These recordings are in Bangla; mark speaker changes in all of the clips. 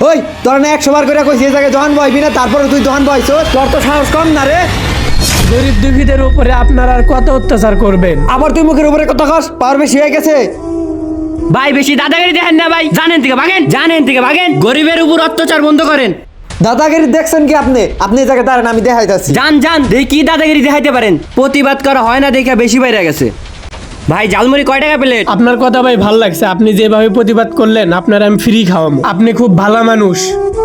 Speaker 1: ওই তোর না 100 বার করে কইছি এই জায়গায় দোকান বইবি না, তারপরে তুই দোকান বইছো, তোর তো সাহস কম না রে।
Speaker 2: গরিব দুঃখীদের উপরে আপনারা আর কত অত্যাচার করবেন?
Speaker 1: আবার তুই মুখের উপরে কথা কস, পাওয়ার বেশি হয়ে গেছে।
Speaker 3: ভাই বেশি দাদাগিরি দেখেন না ভাই, জানেন থেকে ভাগেন, গরিবের উপর অত্যাচার বন্ধ করেন।
Speaker 1: দাদাগিরি দেখছেন কি আপনি? আপনি এই জায়গায় দাঁড়ান, আমি দেখাইতাছি।
Speaker 3: জান দেখি কি দাদাগিরি দেখাইতে পারেন। প্রতিবাদ করা হয় না দেখে বেশি বাইরে গেছে। ভাই ঝালমুড়ি কয় টাকা প্লেট?
Speaker 2: আপনার কথা ভাই ভাল লাগছে, আপনি যেভাবে প্রতিবাদ করলেন আপনার আমি ফ্রি খাওয়াবো। আপনি খুব ভালো মানুষ।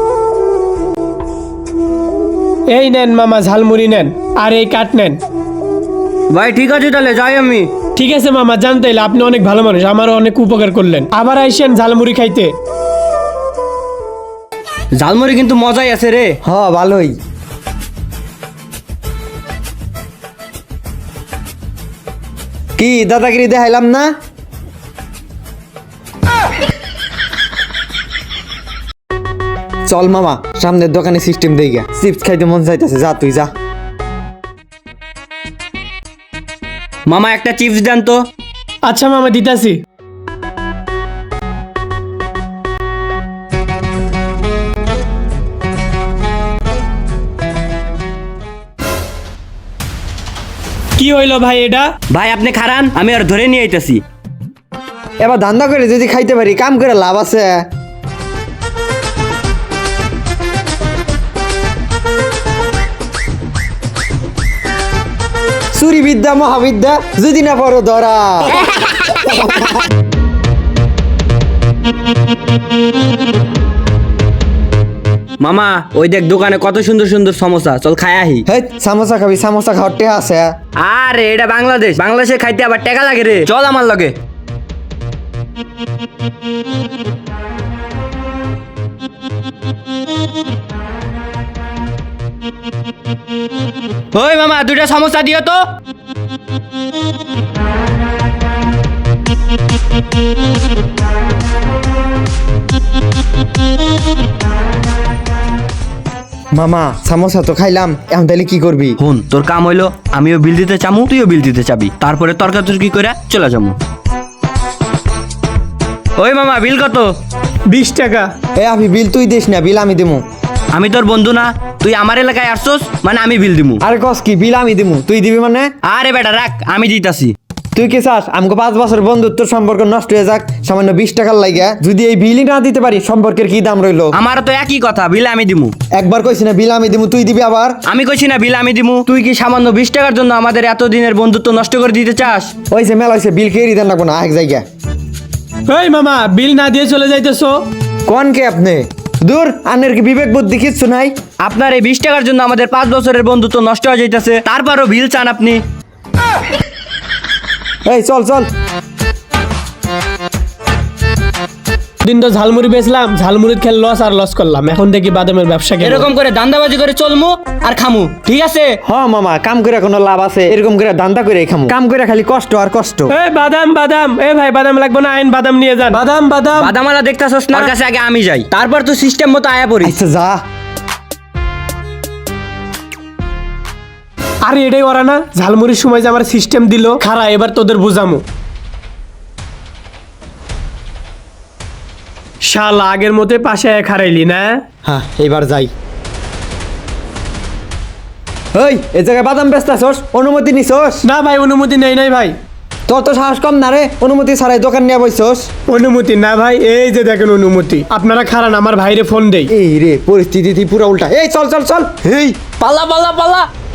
Speaker 2: এই নেন মামা ঝালমুড়ি নেন, আর এই কাঠ নেন।
Speaker 3: ভাই ঠিক আছে তাহলে যাই আমি।
Speaker 2: ঠিক আছে মামা, জানতে হইলে আপনি অনেক ভালো মানুষ, আমারও অনেক উপকার করলেন। আবার আইসেন ঝালমুড়ি খাইতে।
Speaker 3: ঝালমুড়ি কিন্তু মজাই আছে রে।
Speaker 1: হ ভালোই। কি দাদাগিরি দেখাইলাম না? চল মামা, সামনের দোকানে সিস্টেম দেই গা, চিপস খাইতে মন চাইতেছে, যা তুই যা।
Speaker 3: মামা একটা চিপস দেন তো।
Speaker 2: আচ্ছা মামা দিতাছি। কি হইল ভাই এটা?
Speaker 3: ভাই আপনি খারান, আমি আর ধরে নিয়ে আইতাছি।
Speaker 1: এবার ধান্দা করে যদি খাইতে পারি, কাম করে লাভ আছে। চুরি বিদ্যা মহাবিদ্যা, যদি না পড়ো ধরা।
Speaker 3: মামা ওই দেখ দোকানে কত সুন্দর সুন্দর সমোসা, চল খাই আহি।
Speaker 1: হেই সামোসা খাবি? সামোসা খাওয়ার টেহা আছে?
Speaker 3: আরে এটা বাংলাদেশে খাইতে আবার টাকা লাগে রে, চল আমার লগে। ওই মামা দুইটা সমোসা দিও তো।
Speaker 1: মামা সামোসা তো খাইলাম, এখন তাহলে কি করবি?
Speaker 3: হুন তোর কাম হইলো, আমিও বিল দিতে চামু, তুইও বিল দিতে চাবি, তারপরে তর্কাতর্কি করে চলে যাবো। ওই মামা বিল কত?
Speaker 2: 20 টাকা।
Speaker 1: এ আমি বিল তুই দিস না, বিল আমি দিমু।
Speaker 3: আমি তোর বন্ধু না, তুই আমার এলাকায় আসছোস মানে আমি বিল দিমু।
Speaker 1: আরে কস কি, বিল আমি দিমু, তুই দিবি মানে?
Speaker 3: আরে বেটা রাখ, আমি দিতাছি।
Speaker 1: তুই কি চাস আমাকে 5 বছর বন্ধুত্ব সম্পর্ক নষ্ট হয়ে যাক সামান্য 20 টাকার লাগে? যদি এই বিলই না দিতে পারি, সম্পর্কের কি দাম রইলো?
Speaker 3: আমার তো একই কথা, বিল আমি দিমু।
Speaker 1: একবার কইছি না বিল আমি দিমু, তুই দিবি আবার?
Speaker 3: আমি কইছি না বিল আমি দিমু? তুই কি সামান্য 20 টাকার জন্য আমাদের এতদিনের বন্ধুত্ব নষ্ট করে দিতে চাস?
Speaker 1: ওই যে মেলা হয়েছে, বিল খেয়ে দেন লাগবো না, এক জায়গা।
Speaker 2: এই মামা বিল না দিয়ে চলে যাইতেছো?
Speaker 1: কোন কে আপনি? দূর, আনের কি বিবেক বুদ্ধি কিচ্ছু নাই?
Speaker 3: আপনার এই 20 টাকার জন্য আমাদের 5 বছরের বন্ধুত্ব নষ্ট হয়ে যাইতেছে, তারপরও বিল চান আপনি?
Speaker 1: এই চল চল।
Speaker 2: দিন তো ঝালমুড়ি বেচলাম, ঝালমুড়ির খেল লস আর লস করলাম, এখন দেখি বাদামের ব্যবসা কেন।
Speaker 3: এরকম করে দান্দাবাজি করে চলমু আর খামু, ঠিক আছে?
Speaker 1: হ মামা, কাম করে কোনো লাভ আছে? এরকম করে ধান্দা করে খামু, কাম করে খালি কষ্ট আর কষ্ট।
Speaker 2: এই বাদাম বাদাম, এই ভাই বাদাম লাগবে না, আইন বাদাম নিয়ে যান। বাদাম বাদাম।
Speaker 3: বাদামালা দেখতাছস না? ওর কাছে আগে আমি যাই, তারপর তো সিস্টেম মতো আয়া পড়ি।
Speaker 1: আচ্ছা যা।
Speaker 2: আরে এটাই ওরা না ঝালমুড়ির সময় যে আমার সিস্টেম দিল, খারা এবার তোদের বুঝামু। শালা আগের মতে পাশে খারাইলি না?
Speaker 1: হ্যাঁ এবার যাই। ওই এ জায়গায় বাদাম বেচতাছস, অনুমতি নিছস?
Speaker 2: না ভাই অনুমতি নেই নাই ভাই।
Speaker 1: তোর তো সাহস কম না রে, অনুমতি ছাড়াই দোকান নিয়ে বইছস?
Speaker 2: অনুমতি না ভাই, এই যে দেখেন অনুমতি। আপনারা খারান, আমার ভাইরে ফোন দেই।
Speaker 1: এই রে পরিস্থিতি পুরো উল্টা। এই চল চল চল। এই
Speaker 3: পালা পালা পালা।